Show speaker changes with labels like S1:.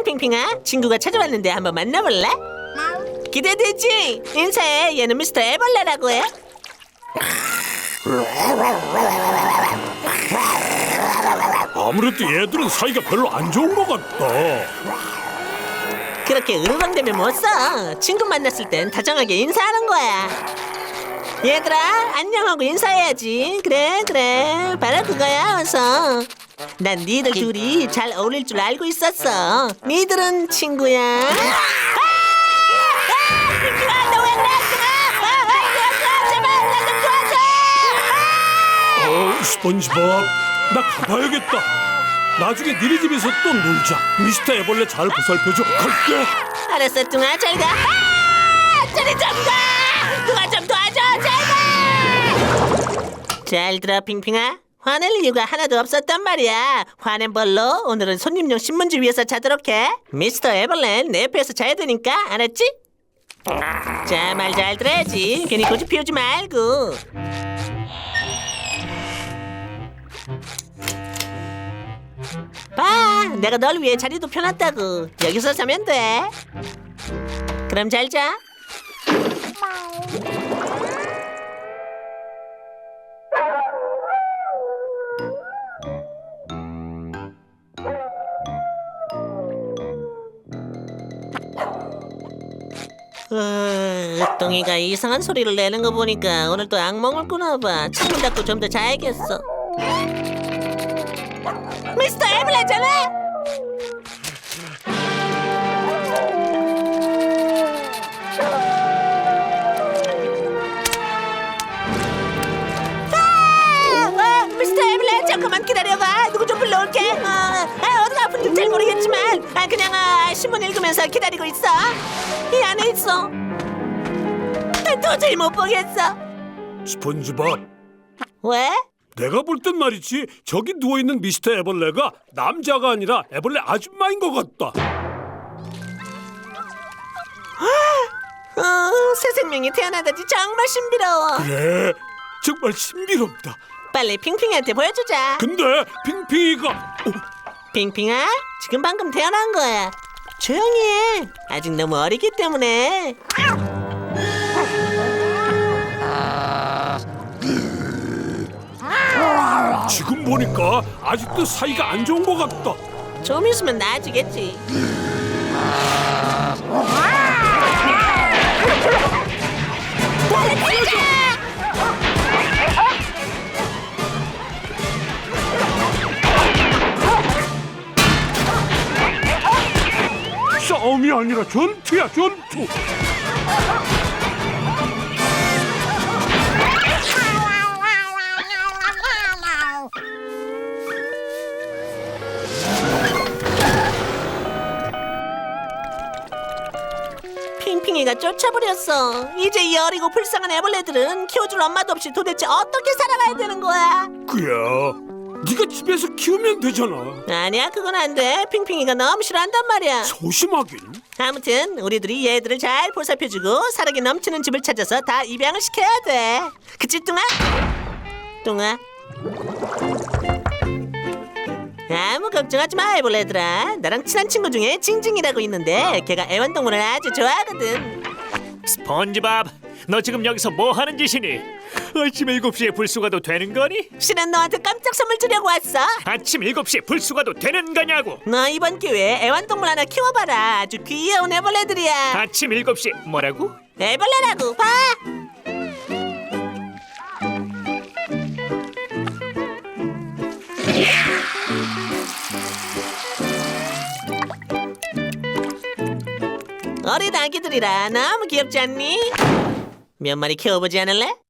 S1: 안녕 핑핑아. 친구가 찾아왔는데 한번 만나볼래? 기대되지? 인사해. 얘는 미스터 애벌레라고 해.
S2: 아무래도 얘들은 사이가 별로 안 좋은 것 같다.
S1: 그렇게 으르렁대면 못 써. 친구 만났을 땐 다정하게 인사하는 거야. 얘들아 안녕하고 인사해야지. 그래 바로 그거야. 어서. 난 니들 둘이 잘 어울릴 줄 알고 있었어. 니들은 친구야. 핑핑아 너 왜 그랬구나. 제발 나 좀 도와줘.
S2: 스펀지밥, 나 가봐야겠다. 나중에 니네 집에서 또 놀자. 미스터 애벌레 잘 보살펴줘. 갈게.
S1: 알았어 뚱아 잘 가. 저리 좀 가. 누가 좀 도와줘 제발. 잘 들어 핑핑아. 화낼 이유가 하나도 없었단 말이야. 화낸 벌로 오늘은 손님용 신문지 위에서 자도록 해. 미스터 애벌레는 내 옆에서 자야 되니까 알았지? 자 말 잘 들어야지. 괜히 고집 피우지 말고. 봐 내가 널 위해 자리도 펴놨다고. 여기서 자면 돼. 그럼 잘 자. 똥이가 이상한 소리를 내는 거 보니까 오늘 또 악몽을 꾸나 봐. 창문 닫고 좀 더 자야겠어. 미스터 애벌레잖아. 미스터 애벌레 잠깐만 기다려봐. 누구 좀 불러올게. 어디가 아픈지 잘 모르겠지만 그냥 신문 읽으면서 기다리고 있어. 이 안에 있어. 도저히 못 보겠어.
S2: 스펀지밥,
S1: 왜?
S2: 내가 볼 땐 말이지, 저기 누워있는 미스터 애벌레가 남자가 아니라 애벌레 아줌마인 것 같다.
S1: 새 생명이 태어나다니 정말 신비로워.
S2: 그래, 정말 신비롭다.
S1: 빨리 핑핑이한테 보여주자.
S2: 근데 핑핑이가
S1: 핑핑아, 지금 방금 태어난 거야. 조용히 해. 아직 너무 어리기 때문에.
S2: 지금 보니까 아직도 사이가 안 좋은 것 같다.
S1: 좀 있으면 나아지겠지. 빨리 뛰자!
S2: 싸움이 아니라 전투야, 전투.
S1: 핑핑이가 쫓아버렸어. 이제 이 어리고 불쌍한 애벌레들은 키워줄 엄마도 없이 도대체 어떻게 살아가야 되는 거야?
S2: 그야, 네가 집에서 키우면 되잖아.
S1: 아니야, 그건 안 돼. 핑핑이가 너무 싫어한단 말이야.
S2: 소심하긴.
S1: 아무튼 우리들이 얘들을 잘 보살펴주고 사랑이 넘치는 집을 찾아서 다 입양을 시켜야 돼. 그치 뚱아? 뚱아? 아무 걱정하지 마 애벌레들아. 나랑 친한 친구 중에 징징이라고 있는데 걔가 애완동물을 아주 좋아하거든.
S3: 스펀지밥, 너 지금 여기서 뭐 하는 짓이니? 아침 7시에 불수가도 되는 거니?
S1: 실은 너한테 깜짝 선물 주려고 왔어.
S3: 아침 7시에 불수가도 되는 거냐고?
S1: 너 이번 기회에 애완동물 하나 키워봐라. 아주 귀여운 애벌레들이야.
S3: 아침 7시 뭐라고?
S1: 애벌레라고 봐. 어린 아기들이라 너무 귀엽지 않니? 몇 마리 키워보지 않을래?